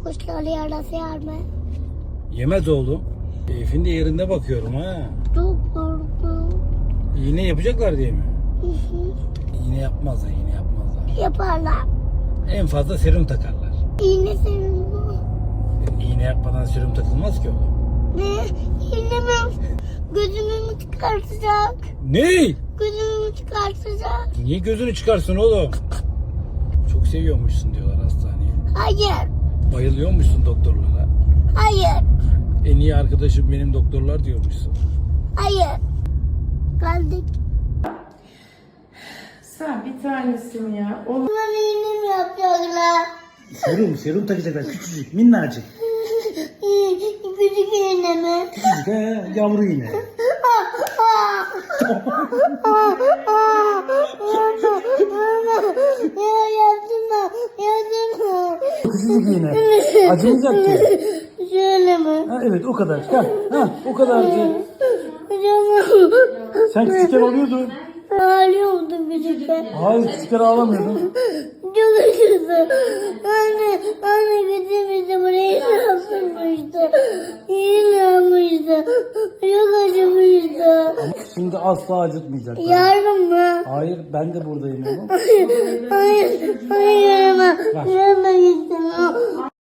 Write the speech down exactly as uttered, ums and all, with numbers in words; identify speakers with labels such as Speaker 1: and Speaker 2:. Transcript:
Speaker 1: kuşları yarası yer mi?
Speaker 2: Yemez oğlum. Keyfin de yerinde bakıyorum ha.
Speaker 1: Çok korktum.
Speaker 2: İğne yapacaklar diye mi?
Speaker 1: Hı hı.
Speaker 2: İğne yapmazlar, iğne yapmazlar.
Speaker 1: Yaparlar.
Speaker 2: En fazla serum takarlar.
Speaker 1: İğne senin bu.
Speaker 2: İğne yapmadan serum takılmaz ki oğlum.
Speaker 1: Ne? İğne mi? Gözümü mü çıkartacak?
Speaker 2: Ne?
Speaker 1: Gözümü mü çıkartacak?
Speaker 2: Niye gözünü çıkarsın oğlum? Çok seviyormuşsun diyorlar hastaneye.
Speaker 1: Hayır.
Speaker 2: Bayılıyormuşsun doktorlara.
Speaker 1: Hayır.
Speaker 2: En iyi arkadaşım benim doktorlar diyormuşsun.
Speaker 1: Hayır. Kaldık.
Speaker 3: Sen bir tanesin ya. O
Speaker 1: Bana iğne mi yapacaklar?
Speaker 2: Serum, serum takacaklar küçücük, minnacık.
Speaker 1: Küçük iğne mi?
Speaker 2: Küçücük he, yavru iğne.
Speaker 1: Ya yaptırma, yaptırma.
Speaker 2: Küçücük iğne. Acımayacak ki.
Speaker 1: Şöyle mi?
Speaker 2: Ha, evet o kadar. Ha, ha, o kadarcık.
Speaker 1: Hocam.
Speaker 2: Sen küçükken oluyordun.
Speaker 1: Ağlıyordum küçükken.
Speaker 2: Hayır küçükken ağlamıyordun.
Speaker 1: Çok acıdı. Anne, anne gitmişti buraya ne yapmıştı? İyi ne yapmıştı? Çok acımıştı.
Speaker 2: Şimdi asla acıtmayacak.
Speaker 1: Yardım mı?
Speaker 2: Hayır ben de buradayım oğlum.
Speaker 1: Hayır, hayır, hayır ama. Yardım istemem.